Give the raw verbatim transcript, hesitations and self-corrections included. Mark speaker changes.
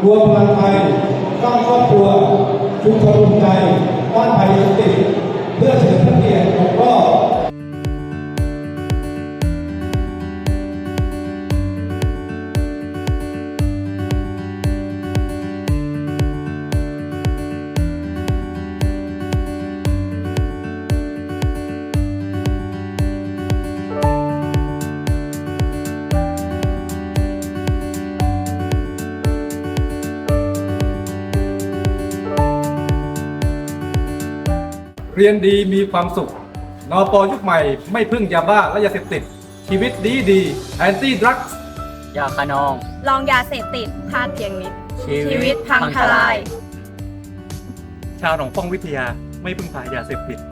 Speaker 1: รวมพลังไทยสร้างครอบครัวชุมชนรวมใจต้านภัยยาเสพติดเพื่อเฉลิมพระเกียรติครบรอบ
Speaker 2: เรียนดีมีความสุข นป.ยุคใหม่ไม่พึ่งยาบ้าและยาเสพติด ชีวิตดีดีแอนตี้ดรักส์
Speaker 3: ยาคานอง
Speaker 4: ลองยาเสพติดพลาดเพียงนิด
Speaker 3: ชี
Speaker 4: ชีวิตพังทลาย
Speaker 2: ชาวหนองป้องวิทยาไม่พึ่งพายาเสพติด